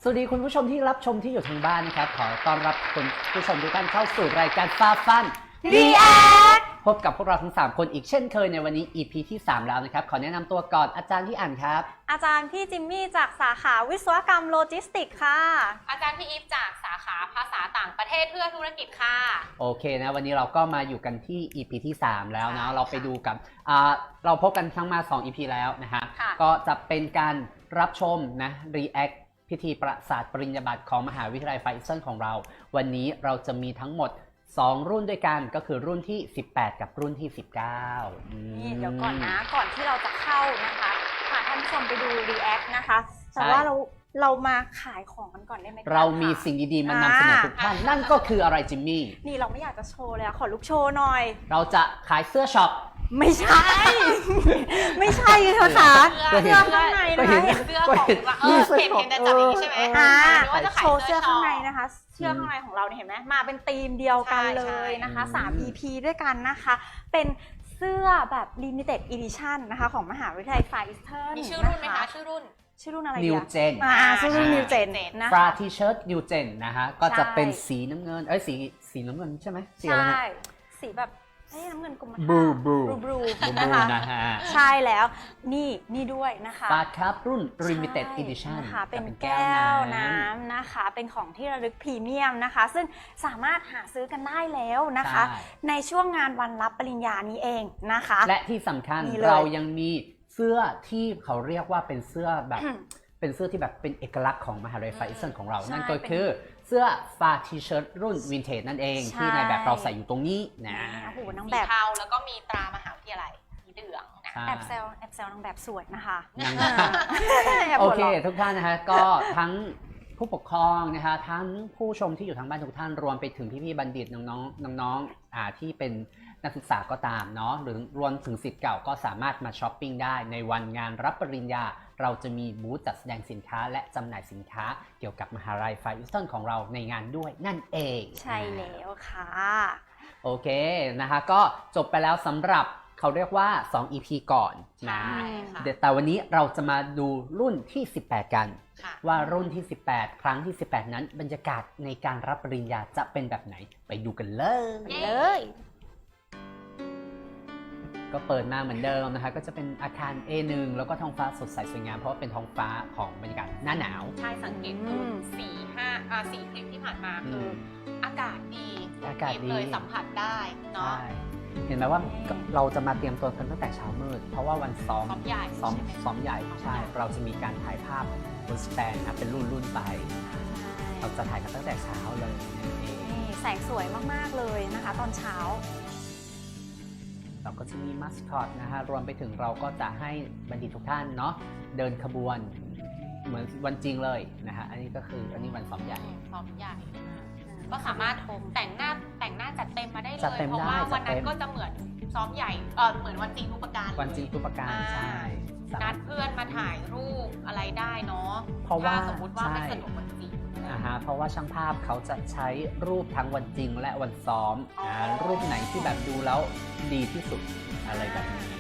สวัสดีคุณผู้ชมที่รับชมที่อยู่ทางบ้านนะครับขอต้อนรับคุณผู้ชมทุกท่านเข้าสู่รายการฟาฟัน React พบกับพวกเราทั้ง3คนอีกเช่นเคยในวันนี้ EP ที่3แล้วนะครับขอแนะนำตัวก่อนอาจารย์ที่อ่านครับอาจารย์พี่จิมมี่จากสาขาวิศวกรรมโลจิสติกส์ค่ะอาจารย์พี่อีฟจากสาขาภาษาต่างประเทศเพื่อธุรกิจค่ะโอเคนะวันนี้เราก็มาอยู่กันที่ EP ที่3แล้วนะเราไปดูกับเราพบกันทั้งมา2 EP แล้วนะฮะก็จะเป็นการรับชมนะ React พิธีประสาทปริญญาบัตรของมหาวิทยาลัยไฟเซนของเราวันนี้เราจะมีทั้งหมด2รุ่นด้วยกันก็คือรุ่นที่18กับรุ่นที่19 นี่เดี๋ยวก่อนนะก่อนที่เราจะเข้านะคะพาท่านผู้ชมไปดู React นะคะแต่ว่าเรามาขายของกันก่อนได้ไหมเรามีสิ่งดีๆมานำเสนอทุกท่านนั่นก็คืออะไรจิมมี่นี่เราไม่อยากจะโชว์เลยขอลูกโชว์หน่อยเราจะขายเสื้อช็อปไม่ใช่ ไม่ใช่ค่ะเสื้อข้างในนะคะเห็นเสื้อของเห็นแต่จับอย่างนี้ใช่ไหมโชว์เสื้อข้างในนะคะเสื้อข้างในของเราเนี่ยเห็นไหมมาเป็นธีมเดียวกันเลยนะคะ3 EP ด้วยกันนะคะเป็นเสื้อแบบ Limited Edition นะคะของมหาวิทยาลัยไฟเซอร์มีชื่อรุ่นไหมคะชื่อรุ่นอะไร New Gen ชื่อรุ่น New Gen นะฟราทีเชิ้ต New Gen นะฮะก็จะเป็นสีน้ำเงินสีน้ำเงินใช่ไหมสีอะไรเนี่ยสีแบบน้ำเงินกรมท่าบลูนะคะใช่แล้วนี่ด้วยนะคะฟาครับรุ่น Limited Edition นะคะเป็นแก้วน้ำนะคะเป็นของที่ระลึกพรีเมียมนะคะซึ่งสามารถหาซื้อกันได้แล้วนะคะในช่วงงานวันรับปริญญานี้เองนะคะและที่สำคัญเรายังมีเสื้อที่เขาเรียกว่าเป็นเสื้อแบบเป็นเสื้อที่แบบเป็นเอกลักษณ์ของมหาวิทยาลัยไฟเซนของเรานั่นก็คือเสื้อฟาทีเชิ้ตรุ่นวินเทจนั่นเองที่ในแบบเราใส่อยู่ตรงนี้นะโอ้โหนางแบบบเทาแล้วก็มีตรามหาวิทยาลัยสีเหลืองนะแอบเซลนางแบบสวยนะคะโอเคทุกท่านนะคะก็ทั้งผู้ปกครองนะคะทั้งผู้ชมที่อยู่ทางบ้านทุกท่านรวมไปถึงพี่ๆบัณฑิตน้องๆที่เป็นนักศึกษาก็ตามเนาะหรือรวมถึงศิษย์เก่าก็สามารถมาช้อปปิ้งได้ในวันงานรับปริญญาเราจะมีบูธจัดแสดงสินค้าและจำหน่ายสินค้าเกี่ยวกับมหาวิทยาลัยไฟอิสตันของเราในงานด้วยนั่นเองใช่แล้วค่ะโอเคนะคะก็จบไปแล้วสำหรับเขาเรียกว่า2 EP ก่อนนะแต่วันนี้เราจะมาดูรุ่นที่18กันว่ารุ่นที่18ครั้งที่18นั้นบรรยากาศในการรับปริญญาจะเป็นแบบไหนไปดูกันเลยก็เปิดมาเหมือนเดิมนะคะก็จะเป็นอาคาร A1 แล้วก็ท้องฟ้าสดใสสวยงามเพราะว่าเป็นท้องฟ้าของบรรยากาศหน้าหนาวใช่สังเกตดู4 คลิปที่ผ่านมาคืออากาศดีเลยสัมผัสได้เนาะเห็นไหมว่าเราจะมาเตรียมตัวกันตั้งแต่เช้ามืดเพราะว่าวันซ้อมใหญ่ใช่เราจะมีการถ่ายภาพบนสแตนนะเป็นรุ่นไปเราจะถ่ายกันตั้งแต่เช้าเลยแสงสวยมากๆเลยนะคะตอนเช้าเราก็จะมีมัสคอตนะฮะรวมไปถึงเราก็จะให้บัณฑิตทุกท่านเนาะเดินขบวนเหมือนวันจริงเลยนะฮะอันนี้วันซ้อมใหญ่ก็สามารถแต่งหน้าจัดเต็มมาได้เลยเพราะว่าวันนั้นก็จะเหมือนซ้อมใหญ่เหมือนวันจริงทุกประการใช่นัดเพื่อนมาถ่ายรูปอะไรได้เนาะเพราะว่าสมมติว่าไม่สะดวกวันจริงเพราะว่าช่างภาพเขาจะใช้รูปทั้งวันจริงและวันซ้อมรูปไหนที่แบบดูแล้วดีที่สุดอะไรแบบนี้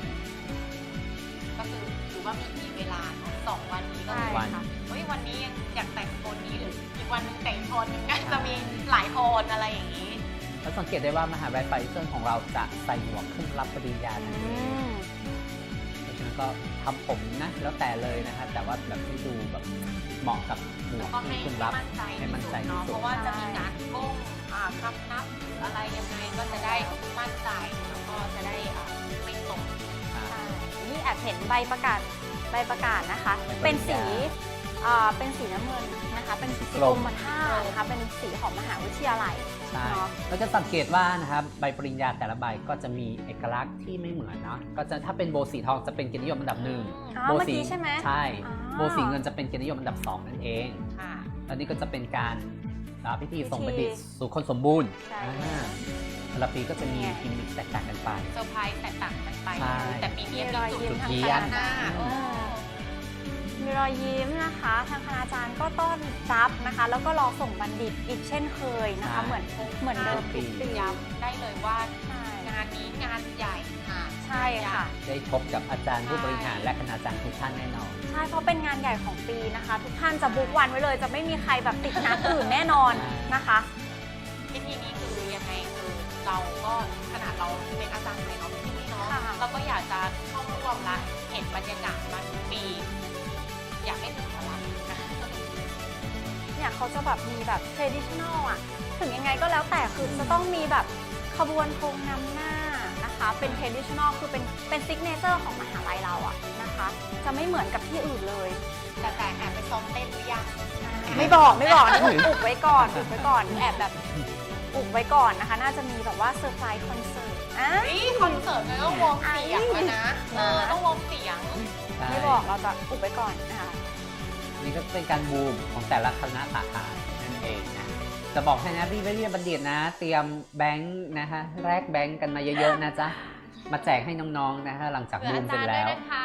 ก็คือถือว่ามีเวลา2 วันนี้ก็เลยค่ะวันนี้ยังอยากแต่งโทนนี้หรืออีกวันนึงแต่งโทนนึงก็จะมีหลายโทนอะไรอย่างนี้แล้วสังเกตได้ว่ามหาวิทยาลัยไฟเซนของเราจะใส่หมวกขึ้นรับปริญญาทันทีเพราะฉะนั้นก็ทำผมนะแล้วแต่เลยนะคะแต่ว่าแบบให้ดูแบบเหมาะกับหมวกที่คุณรับให้มั่นใจที่สุดเพราะว่าจะมีการก้มคำนับอะไรยังไงก็จะได้มั่นใจแล้วก็จะได้ไม่ตกนี่แอบเห็นใบประกาศนะคะเป็นสีน้ำเงินนะคะเป็นสีกรมท่านะคะเป็นสีของมหาวิทยาลัยใช่เราจะสังเกตว่านะครับใบปริญญาแต่ละใบก็จะมีเอกลักษณ์ที่ไม่เหมือนเนาะก็จะถ้าเป็นโบสีทองจะเป็นเกียรตินิยมอันดับ1 โบสีใช่ไหมใช่โบสีเงินจะเป็นเกียรตินิยมอันดับ2นั่นเองแล้วนี่ก็จะเป็นการพิธีส่งบัณฑิตสู่คนสมบูรณ์แต่ละปีก็จะมีกิมมิคแตกต่างกันไปเซอร์ไพรส์แตกต่างกันไปแต่ปีนี้มีจุดเทียนมีรอยยิ้มนะคะทางคณาจารย์ก็ต้อนรับนะคะแล้วก็รอส่งบัณฑิตอีกเช่นเคยนะคะเหมือนเดิมทุกปีย้ำได้เลยว่างานนี้งานใหญ่ค่ะใช่ค่ะได้พบกับอาจารย์ผู้บริหารและคณาจารย์ทุกท่านแน่นอนใช่เพราะเป็นงานใหญ่ของปีนะคะ ทุกท่านจะบุ๊กวันไว้เลย จะไม่มีใครแบบติดนัดอื่นแน่นอนนะคะพิธีนี้คือยังไงคือเราก็ขนาดเราเป็นอาจารย์ในออฟฟิศเนาะค่ะเราก็อยากจะเข้าร่วมและเห็นบรรยากาศมาทุกปี อยากให้ถึงพลังนะเนี่ยเขาจะแบบมีแบบ traditional อ่ะ ถึงยังไงก็แล้วแต่คือจะต้องมีแบบขบวนธงนำหน้านะคะ เป็น traditional คือเป็น signature ของมหาลัยเราอ่ะนะคะ จะไม่เหมือนกับที่อื่นเลยแต่แอบไปซ้อมเต้นหรือยังไม่บอกนี่อุบไว้ก่อนแอบแบบอุบไว้ก่อนนะคะ น่าจะมีแบบว่าเซอร์ไพรส์คอนเสิร์ตอ่ะนี่คอนเสิร์ตเลยต้องวงเสียงเลยนะต้องวงเสียงไม่บอกเราจะอุบไว้ก่อนนะคะนี่ก็เป็นการบูมของแต่ละคณะสาขานั่นเองนะจะบอกให้นะพี่วิทยาบัณฑิตนะ เตรียมแบงค์นะคะแลกแบงค์กันมาเยอะๆนะจ๊ะมาแจกให้น้องๆนะคะหลังจากบูมเสร็จแล้ว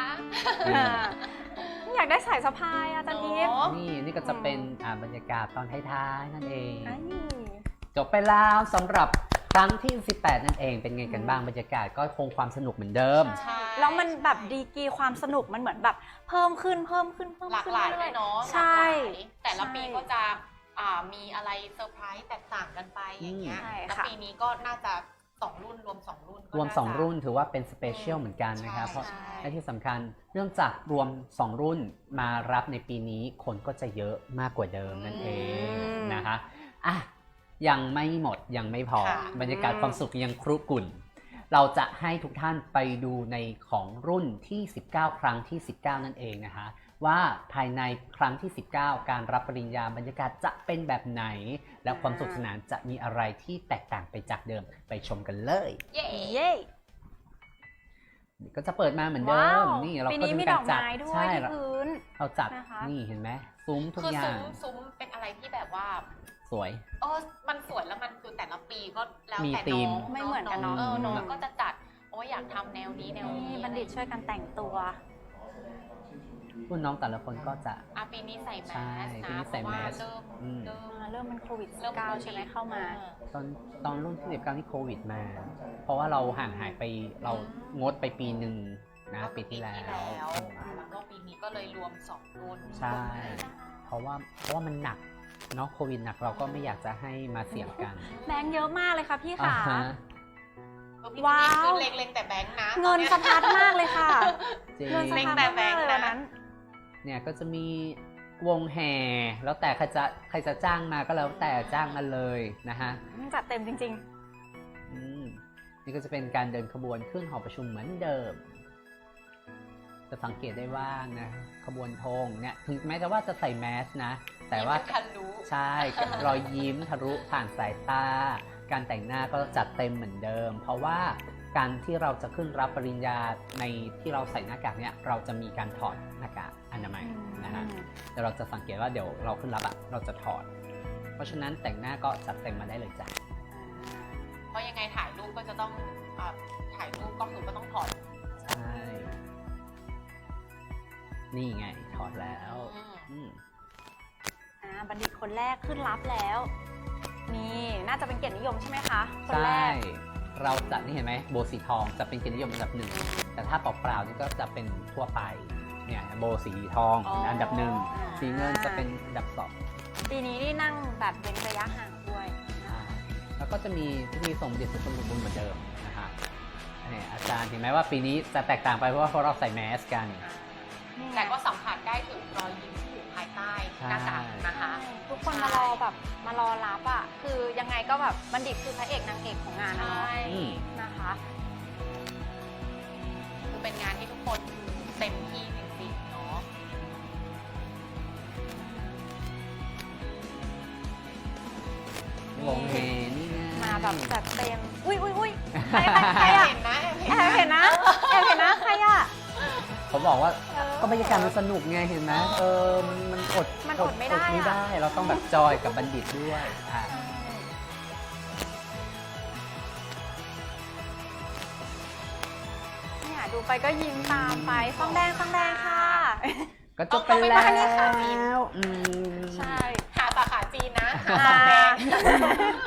อยากได้สายสะพายอาจารย์อีฟนี่ก็จะเป็นบรรยากาศตอนท้ายๆนั่นเองอันนี้จบไปแล้วสำหรับครั้งที่ 18 นั่นเองเป็นไงกันบ้างบรรยากาศก็คงความสนุกเหมือนเดิมใช่แล้วมันแบบดีกรีความสนุกมันเหมือนแบบเพิ่มขึ้นหลากหลายเลยเนาะใช่แต่ละปีก็จะมีอะไรเซอร์ไพรส์แตกต่างกันไปอย่างเงี้ยใช่แล้วค่ะปีนี้ก็น่าจะ2รุ่นรวม2รุ่นก็รวมน่าจะ 2 รุ่นถือว่าเป็นสเปเชียลเหมือนกันนะครับใช่เพราะใช่และที่สำคัญเนื่องจากรวม 2 รุ่นมารับในปีนี้คนก็จะเยอะมากกว่าเดิมนั่นเองนะคะอ่ะยังไม่หมดยังไม่พอค่ะบรรยากาศความสุขยังครุกรุ่น เราจะให้ทุกท่านไปดูในของรุ่นที่ 19 ครั้งที่ 19 นั่นเองนะคะว่าภายในครั้งที่ 19 การรับปริญญาบรรยากาศจะเป็นแบบไหน และความสนุขสนานจะมีอะไรที่แตกต่างไปจากเดิมไปชมกันเลยเย้เย้ก็จะเปิดมาเหมือนเดิว้าม วนี่เราปีก็นี้จะมีมีดกาอรกจัดไม้ด้วยใช่ที่เราพื้นเราจัดนะคะนี่เห็นไหมซุ้มทุกคืออย่างซุ้มเป็นอะไรที่แบบว่าสวยมันสวยแล้วมันคือแต่ละปีก็แล้วมีแต่ธีน้มองไม่เหมือนกันเนอะน้องก็จะจัดอยากทำแนวนี้แนวนี่นี้บัณฑิตช่วยกันแต่งตัวรุ่นน้องแต่ละคนก็จะปีนี้ใส่แมใช่สปีนะนี้เพใส่ราะว่าแมส อืมเริ่มมันโควิดเริ่ม 19ใช่ไหมเข้ามาตอนรุ่นที่19ที่โควิดมา เพราะว่าเราห่างหายไปเรางดไปปีหนึ่งนะปีที่แล้วแล้วก็ปีนี้ก็เลยรวม2รุ่นใช่ เพราะว่ามันหนักเนาะโควิดหนักเราก็ไม่อยากจะให้มาเสี่ยงกันแบงค์เยอะมากเลยค่ะพี่อ่าขาฮะว้าวคือเล็งแต่แบงค์นะเงินสะพัดมากเลยค่ะจริงเงินสะเล็งพัดแต่แบมาง กค์เลยนะวันนั้นเนี่ยก็จะมีวงแห่ แล้วแต่ใครจะจ้างมาก็แล้วแต่จ้างมาเลยนะฮะจัดเต็มจริงนี่ก็จะเป็นการเดินขบวนขึ้นหอประชุมเหมือนเดิม จะสังเกตได้ว่านะขบวนธงเนี่ยถึงแม้จะว่าจะใส่แมสนะ แต่ว่าคันรู้ใช่รอยยิ้มทะลุผ่านสายตา การแต่งหน้าก็จัดเต็มเหมือนเดิม เพราะว่าการที่เราจะขึ้นรับปริญญาในที่เราใส่หน้ากากเนี่ยเราจะมีการถอดหน้ากากอนามัยนะฮะแต่เราจะสังเกตว่าเดี๋ยวเราขึ้นรับอะเราจะถอด เพราะฉะนั้นแต่งหน้าก็จัดเต็มมาได้เลยจ้ะเพราะยังไงถ่ายรูปก็จะต้องถ่ายรูปก็คือก็ต้องถอดใช่นี่ไงถอดแล้วอืมบัณฑิตคนแรกขึ้นรับแล้ว นี่น่าจะเป็นเกียรตินิยมใช่ไหมคะคนแรใช่กเราจะนี่เห็นไหมโบสีทองจะเป็นเกียรตินิยมอันดับหนึ่งแต่ถ้าเปล่าๆนี่ก็จะเป็นทั่วไปเนี่ยโบสีทองอันดับหนึ่งสีเงินจะเป็นอันดับสองปีนี้นี่นั่งแบบเว้นระยะห่างด้วยแล้วก็จะมีพิธีส่งเด็จสุชนบุญเหมือนเดิมนะฮะเนี่ยอาจารย์ถึงแม้ว่าปีนี้จะแตกต่างไปเพราะว่าเราใส่แมสกันแต่ก็สัมผัสได้ถึงรอยยิ้มที่อยู่ภายใต้หน้ากากนะคะทุกคนมารอแบบมารอรับอ่ะคือยังไงก็แบบบัณฑิตคือพระเอกนางเอกของงานนะใช่เนาะนะคะคือเป็นงานที่ทุกคนเต็มที่จริงๆเนาะวงเฮนี่นะมาแบบจัดเต็มอุ้ยใครอะเห็นนะแอบเห็นนะใครอะเขาบอกว่าก็บรรยากาศมันสนุกไงเห็นไหมมันอดมันอดไม่ได้อะไม่ได้ เราต้องแบบจอยกับบัณฑิตด้วยเนี่ยดูไปก็ยิ้มตามไปฟองแดงค่ะก็จบไปแล้วใช่หาสาขาจีนนะอ่าหาแดงโอ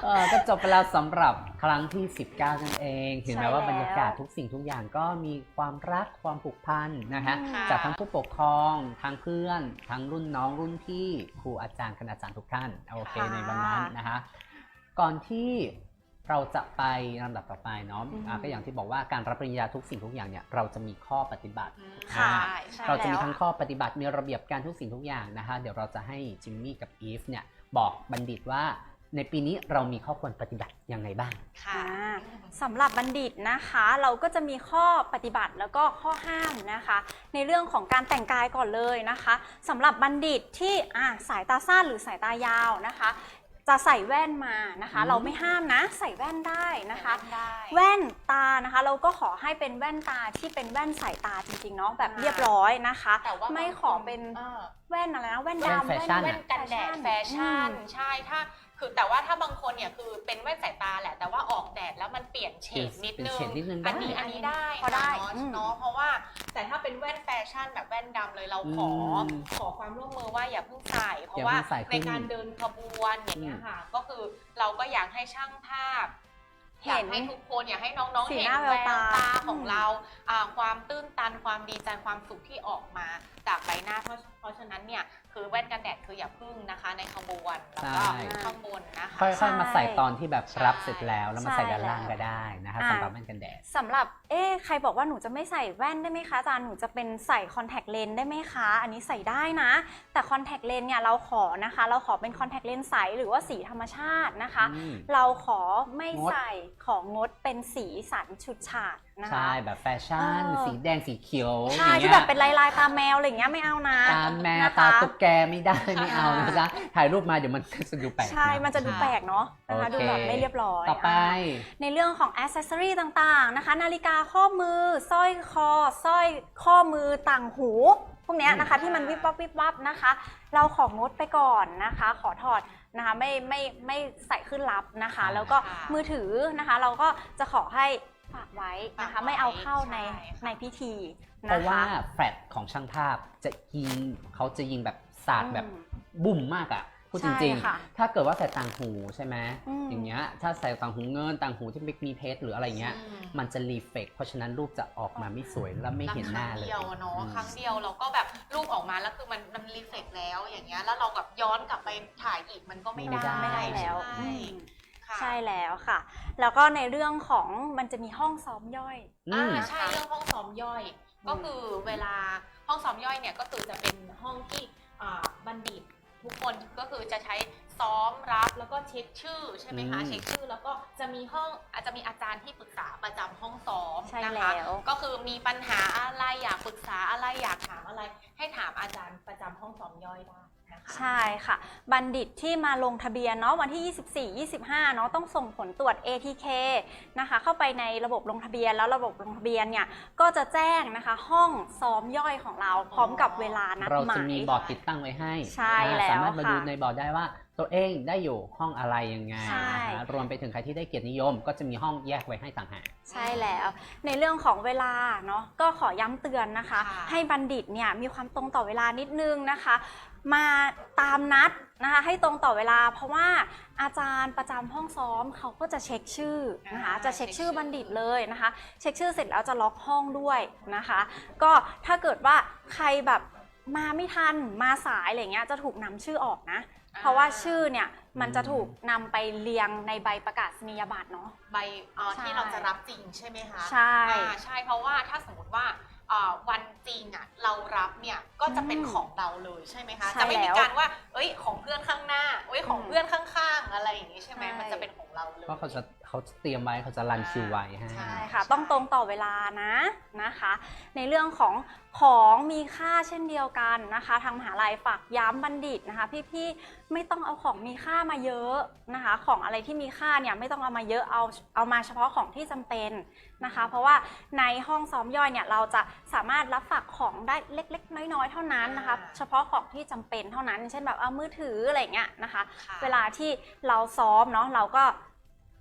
ก็จบไปแล้วสำหรับครั้งที่ 19 นั่นเองเห็นไหมใช่ว่าแล้วบรรยากาศทุกสิ่งทุกอย่างก็มีความรักความผูกพันนะฮะค่ะจากทั้งผู้ปกครองทั้งเพื่อน ทั้งรุ่นน้องรุ่นพี่ครูอาจารย์คณาจารย์ทุกท่านโอเคค่ะในวันนั้นนะคะก่อนที่เราจะไปลำดับต่อไปเนาะก็อย่างที่บอกว่าการรับปริญญาทุกสิ่งทุกอย่างเนี่ยเราจะมีข้อปฏิบัติค่ะใช่เราจะมีทั้งข้อปฏิบัติมีระเบียบการทุกสิ่งทุกอย่างนะคะเดี๋ยวเราจะให้จิมมี่กับอีฟเนี่ยบอกบัณฑิตว่าในปีนี้เรามีข้อควรปฏิบัติยังไงบ้างค่ะสำหรับบัณฑิตนะคะเราก็จะมีข้อปฏิบัติแล้วก็ข้อห้ามนะคะ ในเรื่องของการแต่งกายก่อนเลยนะคะสำหรับบัณฑิตที่สายตาสั้นหรือสายตายาวนะคะ จะใส่แว่นมานะคะ เราไม่ห้ามนะใส่แว่นได้นะคะได้แว่นตานะคะเราก็ขอให้เป็นแว่นตาที่เป็นแว่นสายตาจริงๆเนาะแบบเรียบร้อยนะคะแต่ว่าไม่ขอเป็นแว่นอะไรนะแว่นแว่นดำแฟชั่นแว่นกันแดดแฟชั่นใช่ถ้าคือแต่ว่าถ้าบางคนเนี่ยคือเป็นแว่นสายตาแหละแต่ว่าออกแดดแล้วมันเปลี่ยนเฉดนิดนึงเปลี่ยนเฉดนิดนึงอันนี้ได้พอได้เนาะเพราะว่าแต่ถ้าเป็นแว่นแฟชั่นแบบแว่นดำเลยเราขอความร่วมมือว่าอย่าเพิ่งใส่เพราะว่าในการเดินขบวนอย่างเงี้ยค่ะก็คือเราก็อยากให้ช่างภาพอยากให้ทุกคนอยากให้น้องๆสีเห็นหน้าแวแวววตาตาของเราความตื้นตันความดีใจความสุขที่ออกมาจากใบหน้าเพราะฉะนั้นเนี่ยคือแว่นกันแดดคืออย่าพึ่งนะคะในขบวนแล้วก็ใช่ข้างบนนะคะค่อยๆมาใส่ตอนที่แบบใช่รับเสร็จแล้วมาใส่ใช่ด้านล่างก็ได้นะคะสำหรับแว่นกันแดดสำหรับใครบอกว่าหนูจะไม่ใส่แว่นได้ไหมคะอาจารย์หนูจะเป็นใส่คอนแทคเลนส์ได้ไหมคะอันนี้ใส่ได้นะแต่คอนแทคเลนส์เนี่ยเราขอนะคะเราขอเป็นคอนแทคเลนส์ใสหรือว่าสีธรรมชาตินะคะ เราขอไม่ใส่ของงดเป็นสีสันฉุดฉาดนะคะใช่แบบแฟชั่น สีแดงสีเขียวใช่อย่างที่เงี้แบยบเป็นลายๆตาแมวอะไรอย่างเงี้ยไม่เอานะตาแมวนะคะตาตุ๊กแกไม่ได้ไม่เอานะจ๊ะถ่ายรูปมาเดี๋ยวมันจะดูแปลกใช่มันจะดูแปลกเนาะนะคะโอเคดูแบบไม่เรียบร้อยต่อไปในเรื่องของ accessory ต่างๆนะคะนาฬิกาข้อมือสร้อยคอสร้อยข้อมือต่างหูพวกเนี้ยนะคะที่มันวิบวับวิบวับนะคะ เราของงดไปก่อนนะคะ ขอถอดนะคะไม่ใส่ขึ้นรับนะคะ แล้วก็มือถือนะคะ เราก็จะขอให้ฝากไว้นะคะไม่เอาเข้าในพิธีเพราะว่าแฟลชของช่างภาพจะเขาจะยิงแบบสาดแบบบุ่มมากอะพูดจริงค่ะๆถ้าเกิดว่าใส่ต่างหูใช่ไหมอืมอย่างเงี้ยถ้าใส่ต่างหูเงินต่างหูที่มีเพชรหรืออะไรเงี้ยมันจะรีเฟกเพราะฉะนั้นรูปจะออกมาไม่สวยและไม่เห็นหน้าเลยครั้งเดียวเนาะครั้งเดียวเราก็แบบรูปออกมาแล้วคือมันรีเฟกแล้วอย่างเงี้ยแล้วเราแบบย้อนกลับไปถ่ายอีกมันก็ไม่ได้ไม่ได้แล้วใช่ค่ะใช่แล้วค่ะ แล้วก็ในเรื่องของมันจะมีห้องซ้อมย่อยใช่เรื่องห้องซ้อมย่อย ก็คือเวลาห้องซ้อมย่อยเนี่ยก็คือจะเป็นห้องที่บัณฑิตทุกคนก็คือจะใช้ซ้อมรับแล้วก็เช็คชื่อใช่ไหมคะเช็คชื่อแล้วก็จะมีอาจจะมีอาจารย์ที่ปรึกษาประจำห้องซ้อมใช่นะคะแล้วก็คือมีปัญหาอะไรอยากปรึกษาอะไรอยากถามอะไร ให้ถามอาจารย์ประจำห้องซ้อมย่อยได้นะคะใช่ค่ะ บัณฑิตที่มาลงทะเบียนเนาะวันที่ 24 25เนาะต้องส่งผลตรวจ ATK นะคะเข้าไปในระบบลงทะเบียนแล้วระบบลงทะเบียนเนี่ยก็จะแจ้งนะคะห้องซ้อมย่อยของเราพร้อมกับเวลานัดเราหมาจะยมีบอร์ดติดตั้งไว้ให้ใช่แล้วสามารถมาดูค่ะในบอร์ดได้ว่าตัวเองได้อยู่ห้องอะไรยังไงใช่นะคะรวมไปถึงใครที่ได้เกียรตินิยม ก็จะมีห้องแยกไว้ให้ต่างหากใช่แล้ว ในเรื่องของเวลาเนาะก็ขอย้ำเตือนนะคะค่ะให้บัณฑิตเนี่ยมีความตรงต่อเวลานิดนึงนะคะ มาตามนัดนะคะให้ตรงต่อเวลา เพราะว่าอาจารย์ประจำห้องซ้อมเขาก็จะเช็คชื่อนะคะจะเช็คชื่อบัณฑิตเลยนะคะ เช็คชื่อเสร็จแล้วจะล็อกห้องด้วยนะคะ ก็ถ้าเกิดว่าใครแบบมาไม่ทันมาสายอะไรเงี้ยจะถูกนำชื่อออกนะ เพราะว่าชื่อเนี่ยมันจะถูกนำไปเรียงในใบประกาศนียบัตรเนาะใบใช่ที่เราจะรับจริงใช่ไหมคะใช่ใช่เพราะว่าถ้าสมมติว่าวันจริงอ่ะเรารับเนี่ยก็จะเป็นของเราเลยใช่ไหมคะใช่จะไม่มีแล้วการว่าเอ้ยของเพื่อนข้างหน้าเอ้ยของเพื่อนข้างๆอะไรอย่างนี้ใช่ไหมใช่มันจะเป็นของเราเลยเพราะเขาจะเตรียมไว้เขาจะรันคิวไว้ให้ใช่ใช่ค่ะต้องตรงต่อเวลานะคะ ในเรื่องของมีค่าเช่นเดียวกันนะคะ ทางมหาลัยฝากย้ำบัณฑิตนะคะ พี่ๆไม่ต้องเอาของมีค่ามาเยอะนะคะ ของอะไรที่มีค่าเนี่ยไม่ต้องเอามาเยอะเอามาเฉพาะของที่จำเป็นนะคะ เพราะว่าในห้องซ้อมย่อยเนี่ยเราจะสามารถรับฝากของได้เล็กๆน้อยๆเท่านั้นนะคะ เฉพาะของที่จำเป็นเท่านั้น เช่นแบบเอามือถืออะไรเงี้ยนะคะค่ะเวลาที่เราซ้อมเนาะเราก็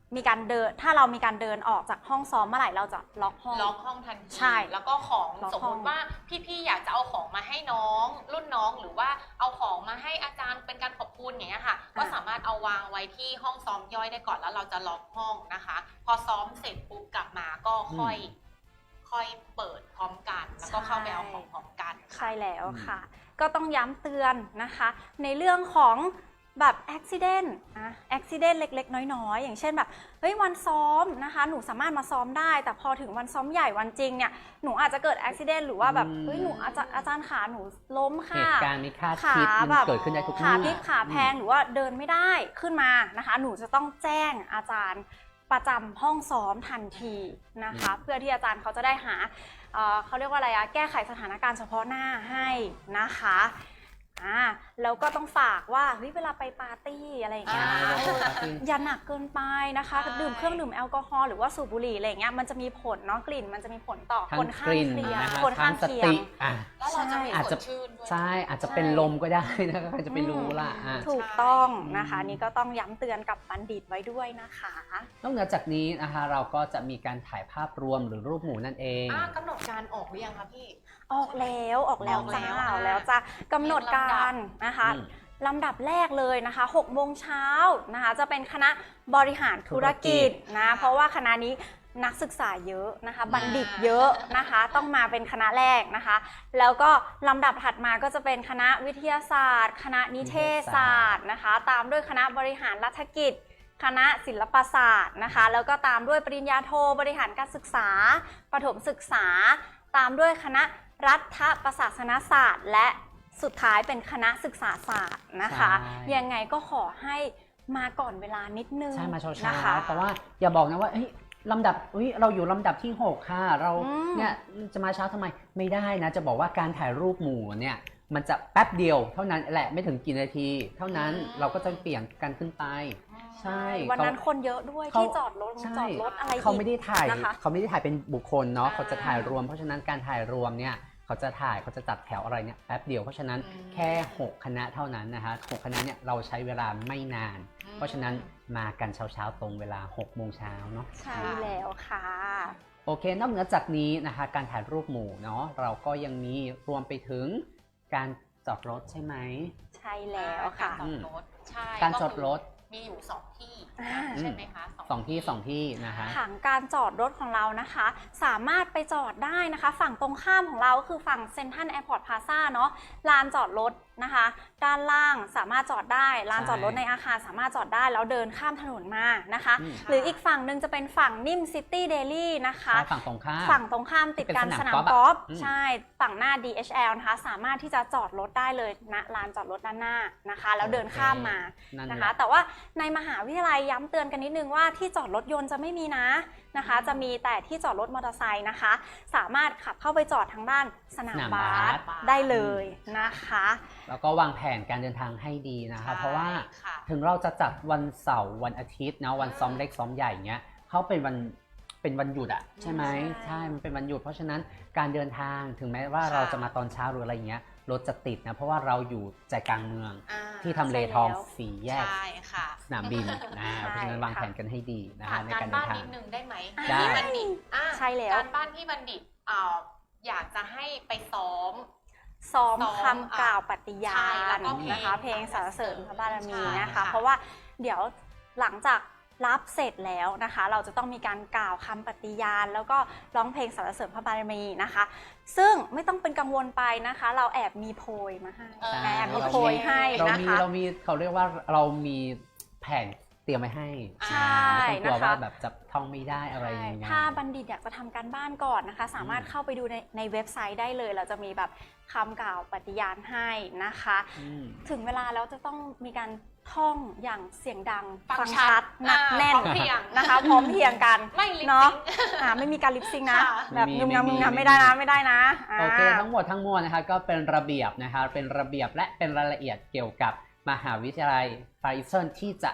มีการเดินถ้าเรามีการเดินออกจากห้องซ้อมเมื่อไหร่เราจะล็อกห้องล็อกห้องทันทีใช่แล้วก็ของล็อกสมห้มองติว่าพี่ๆอยากจะเอาของมาให้น้องรุ่นน้องหรือว่าเอาของมาให้อาจารย์เป็นการขอบคุณอย่างเงี้ยค่ะ ก็สามารถเอาวางไว้ที่ห้องซ้อมย่อยได้ก่อนแล้วเราจะล็อกห้องนะคะ พอซ้อมเสร็จปุ๊บกลับมาก็ค่อยเปิดพร้อมกัน แล้วก็เข้าไปเอาของพร้อมกันใช่แล้วค่ะ ก็ต้องย้ำเตือนนะคะ ในเรื่องของแบบอุบิเหตุอุบิเหตุเล็กๆน้อยๆอย่างเช่นแบบเฮ้ยวันซ้อมนะคะหนูสามารถมาซ้อมได้แต่พอถึงวันซ้อมใหญ่วันจริงเนี่ยหนูอาจจะเกิดอุบิเหตุหรือว่าแบบเฮ้ยหนูอาจารย์ขาหนูล้มเหค่ะตุการณ์ไม่คาดคิดมันเกิดขึ้นได้ทุกขาเมื่พลิอกขาแพงหรือว่าเดินไม่ได้ขึ้นมานะคะ หนูจะต้องแจ้งอาจารย์ประจำห้องซ้อมทันทีนะคะ เพื่อที่อาจารย์เขาจะได้หาเขาเรียกว่าอะไรแก้ไขสถานการณ์เฉพาะหน้าให้นะคะแล้วก็ต้องฝากว่าเฮ้ยเวลาไปปาร์ตี้อะไรอย่างเงี้ยอย่าหนักเกินไปนะคะดื่มเครื่องดื่มแอลกอฮอล์หรือว่าสูบบุหรี่อะไรอย่างเงี้ยมันจะมีผลเนาะกลิ่นมันจะมีผลต่อทั้คงนกข้างลิ่นเคียงนะคะคนทั้ข้าง งสเคียงติอ่ะแล้วเราจะมีอาจสจะดชื่นด้วยใช่อาจจะเป็นลมก็ได้นะคะใครจะไปรู้ล่ะถูกต้องนะคะนี่ก็ต้องย้ำเตือนกับบัณฑิตไว้ด้วยนะคะนอกเหนือจากนี้นะคะเราก็จะมีการถ่ายภาพรวมหรือรูปหมู่นั่นเองกำหนดการออกหรือยังคะพี่ออกแล้วจ้าออกแล้วออกแล้วจ้ากำหนดการนะคะอืมลำดับแรกเลยนะคะ6โมงเช้านะคะจะเป็นคณะบริหารธุรกิจนะเพราะว่าคณะนี้นักศึกษาเยอะนะคะบัณฑิตเยอะนะคะต้องมาเป็นคณะแรกนะคะแล้วก็ลำดับถัดมาก็จะเป็นคณะวิทยาศาสตร์ คณะนิเทศศาสตร์นะคะตามด้วยคณะบริหารรัฐกิจ คณะศิลปศาสตร์นะคะแล้วก็ตามด้วยปริญญาโทบริหารการศึกษาประถมศึกษาตามด้วยคณะรัฐประศาสนศาสตร์และสุดท้ายเป็นคณะศึกษาศาสตร์นะคะยังไงก็ขอให้มาก่อนเวลานิดนึงใช่มาเช้านะคะเพราะว่าอย่าบอกนะว่าลำดับเราอยู่ลำดับที่6ค่ะเราเนี่ยจะมาเช้าทำไมไม่ได้นะจะบอกว่าการถ่ายรูปหมู่เนี่ยมันจะแป๊บเดียวเท่านั้นแหละไม่ถึงกี่นาที เท่านั้นเราก็จะเปลี่ยนกันขึ้นไปใช่วันนั้นคนเยอะด้วยเขาที่จอดรถอะไรอีกเขาไม่ได้ถ่ายนะคะเขาไม่ได้ถ่ายเป็นบุคคลเนาะเขาจะถ่ายรวมเพราะฉะนั้นการถ่ายรวมเนี่ยเขาจะจัดแถวอะไรเนี่ยแป๊บเดียวเพราะฉะนั้นแค่6คณะเท่านั้นนะคะ6คณะเนี่ยเราใช้เวลาไม่นาน เพราะฉะนั้นมากันเช้าๆตรงเวลา6โมงเช้าเนาะใช่แล้วค่ะโอเคนอกเหนือจากนี้นะคะการถ่ายรูปหมู่เนาะเราก็ยังมีรวมไปถึงการจอดรถใช่ไหมใช่แล้วค่ะการจอดรถใช่การจอดรถมีอยู่2ที่อ่าใช่ไหมคะสองที่นะคะผังการจอดรถของเรานะคะ สามารถไปจอดได้นะคะ ฝั่งตรงข้ามของเราก็คือฝั่งเซ็นทรัลแอร์พอร์ตพลาซ่าเนาะลานจอดรถนะคะ ด้านล่างสามารถจอดได้ลานจอดรถในอาคารสามารถจอดได้แล้วเดินข้ามถนนมานะคะ หรืออีกฝั่งหนึ่งจะเป็นฝั่งนิ่มซิตี้เดลี่นะคะใช่ฝั่งตรงข้ามฝั่งตรงข้ามติดกันเป็นสสนานามมกกออล์ล์ฟฟใช่ฝั่งหน้า DHL นะคะสามารถที่จะจอดรถได้เลยณลานจอดรถด้านหน้านะคะแล้วเดินข้ามมานั่นนะแหคะละแต่ว่าในมหาวิทยาลัยย้ำเตือนกันนิดนึงว่าที่จอดรถยนต์จะไม่มีนะคะ จะมีแต่ที่จอดรถมอเตอร์ไซค์นะคะ สามารถขับเข้าไปจอดทางด้านสนามบาสได้เลยนะคะแล้วก็วางแผนการเดินทางให้ดีนะคะใช่เพราะว่าค่ะถึงเราจะจัดวันเสาร์วันอาทิตย์นะวันซ้อมเล็กซ้อมใหญ่เงี้ยเขาเป็นวันหยุดอะใช่ไหมใช่ใช่มันเป็นวันหยุดเพราะฉะนั้นการเดินทางถึงแม้ว่าเราจะมาตอนเช้าหรืออะไรเงี้ยรถจะติดนะเพราะว่าเราอยู่ใจกลางเมืองอ่าที่ทำเลทองสี่แยกใช่ค่ะสนามบินนะเพราะฉะนั้นวางแผนกันให้ดีนะคะในกาการรเดิบ้าน นทางนิดนึงได้ไหมได้พี่บัณฑิตใช่แล้วการบ้านพี่บัณฑิตอยากจะให้ไปซ้อมซ้อมซ้อมคำกล่าวปฏิญาใช่แล้ณวก็เพลงนะคะ เพลงสรรเสริญพระบารมีใช่นะคะค่ะเพราะว่าเดี๋ยวหลังจากรับเสร็จแล้วนะคะ เราจะต้องมีการกล่าวคำปฏิญาณแล้วก็ร้องเพลงสรรเสริญพระบารมีนะคะ ซึ่งไม่ต้องเป็นกังวลไปนะคะ เราแอบมีโพยมาให้เออใช่แอบมีโพยให้นะคะเรามีเขาเรียกว่าเรามีแผนเตรียมไว้ให้ใช่ไม่ต้องกลัวนะคะว่าแบบจะท่องไม่ได้อะไรยังไงถ้าบัณฑิตอยากจะทำการบ้านก่อนนะคะ สามารถเข้าไปดูในเว็บไซต์ได้เลย เราจะมีแบบคำกล่าวปฏิญาณให้นะคะอืมถึงเวลาแล้วจะต้องมีการท่องอย่างเสียงดังฟังชัดหนักแน่นพร้อมเพรียงนะคะ พร้อมเพรียงกันไม่ลิปเนาะซิงค์ไม่มีการลิปซิงค์นะค่ะแบบไม่มีงึมงำไม่มีงึมงำไม่ได้นะไม่ได้นะโอเคทั้งหมดทั้งมวลนะคะก็เป็นระเบียบนะคะเป็นระเบียบและเป็นรายละเอียดเกี่ยวกับมหาวิทยาลัยฟาริเซนที่จะ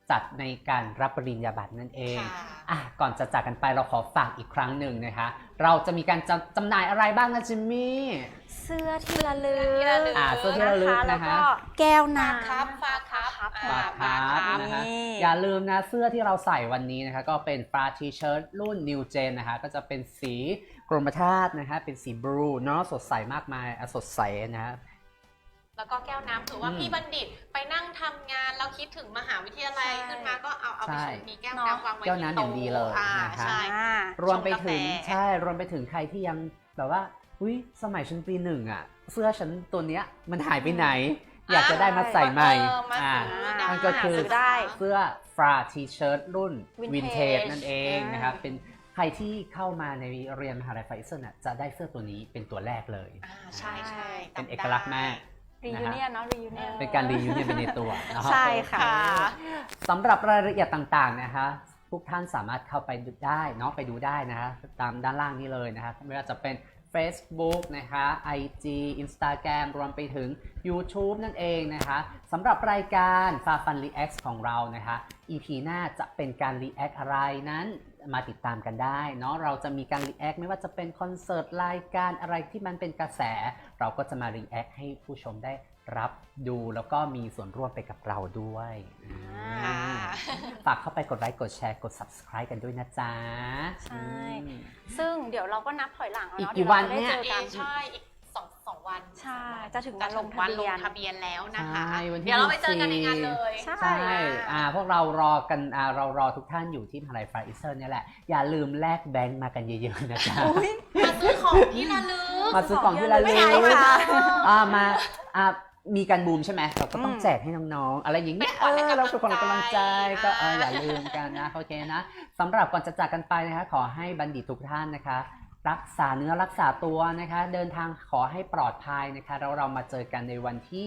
จัดในการรับปริญญาบัตรนั่นเอง ก่อนจะจากกันไปเราขอฝากอีกครั้งหนึ่งนะคะเราจะมีการจำหน่ายอะไรบ้างนะจิมมี่เสื้อที่ระลึกเสื้อที่ระลึกแล้วนะคะก็แก้วฝากน้ำครับฝากครับฝากฝากครับ นะคะนี่อย่าลืมนะเสื้อที่เราใส่วันนี้นะคะก็เป็นฟราทีเชิ้ตรุ่น New Gen นะคะก็จะเป็นสีกรมธาตุนะคะเป็นสีบลูเนาะสดใสมากมายสดใสนะฮะแล้วก็แก้วน้ำถือว่าพี่บัณฑิตไปนั่งทำงานแล้วคิดถึงมหาวิทยาลัยใช่ขึ้นมาก็เอาไปใช่ชงมีแก้วน้ำวางไว้แก้วน้ำอย่างดีเลยที่โต๊นะคะใช่รวมไปถึงชงกาแฟใช่รวมไปถึงใครที่ยังแบบว่าอุ้ยสมัยฉันปีหนึ่งอ่ะเสื้อฉันตัวเนี้ยมันหายไปไหน อยากจะได้มาใส่ใหม่มาซื้อได้มันก็คือซื้อได้เสื้อฟราทีเชิ้ตรุ่น Vintage วินเทจนั่นเองนะครับเป็นใครที่เข้ามาในเรียนมหาลัยไฟเซอร์น่ะจะได้เสื้อตัวนี้เป็นตัวแรกเลยใช่ใช่เป็นเอกลักษณ์มากรียูเนียนเนาะรียูเนียนเป็นการรีวิวเนี่ยเป็นในตัวนะครับใช่ค่ะสำหรับรายละเอียดต่างๆนะคะทุกท่านสามารถเข้าไปดูได้เนาะไปดูได้นะคะตามด้านล่างนี้เลยนะคะไม่ว่าจะเป็น Facebook นะคะ IG Instagram รวมไปถึง YouTube นั่นเองนะคะสำหรับรายการ Fun React ของเรานะคะ EP หน้าจะเป็นการ React อะไรนั้นมาติดตามกันได้เนาะเราจะมีการ React ไม่ว่าจะเป็นคอนเสิร์ตรายการอะไรที่มันเป็นกระแส เราก็จะมา React ให้ผู้ชมได้รับดูแล้วก็มีส่วนร่วมไปกับเราด้วยค่ะฝากเข้าไปกดไลค์กดแชร์กด subscribe กันด้วยนะจ๊ะใช่ ซึ่งเดี๋ยวเราก็นับถอยหลังแล้วอีกเนาะกี่เดี๋ยววันเราจะได้เนี่ยเจอกันใช่อีกสองวันใช่จะถึงจะวันลถึงงทะวันเบีลยงนทะเบียนแล้วนะคะใช่วันที่เดี๋ยวเราไปเจอกันในงานเลยใช่ใช่พวกเรารอกันเรารอทุกท่านอยู่ที่มหาลัยไฟเซอร์เนี่ยแหละ อย่าลืมแลกแบงค์มากันเยอะๆนะจ๊ะอุ๊ยมาซื้อของที่ระลึกมาซื้อของที่ระลึกใช่ค่ะมามีการบูมใช่ไหมเราก็ต้องแจกให้น้องๆ อะไรอย่างเงี้ยเป็นขวัญเราเป็นคนกำลังใจก็อ่าอย่าลืมกันนะโอเคนะสำหรับก่อนจะจากกันไปนะคะขอให้บัณฑิตทุกท่านนะคะ รักษาเนื้อรักษาตัวนะคะเดินทางขอให้ปลอดภัยนะคะแล้วเรามาเจอกันในวันที่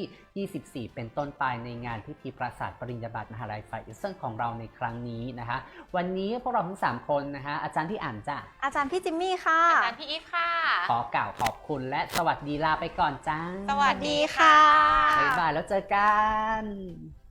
24 เป็นต้นไปในงานพิธีประสาทปริญญาบัตรมหาลัยไฟเซอร์ของเราในครั้งนี้นะคะวันนี้พวกเราทั้ง3คนนะคะอาจารย์ที่อ่านจ้ะอาจารย์พี่จิมมี่ค่ะอาจารย์พี่อีฟค่ะขอกล่าวขอบคุณและสวัสดีลาไปก่อนจ้าสวัสดีค่ะบ๊ายบายแล้วเจอกัน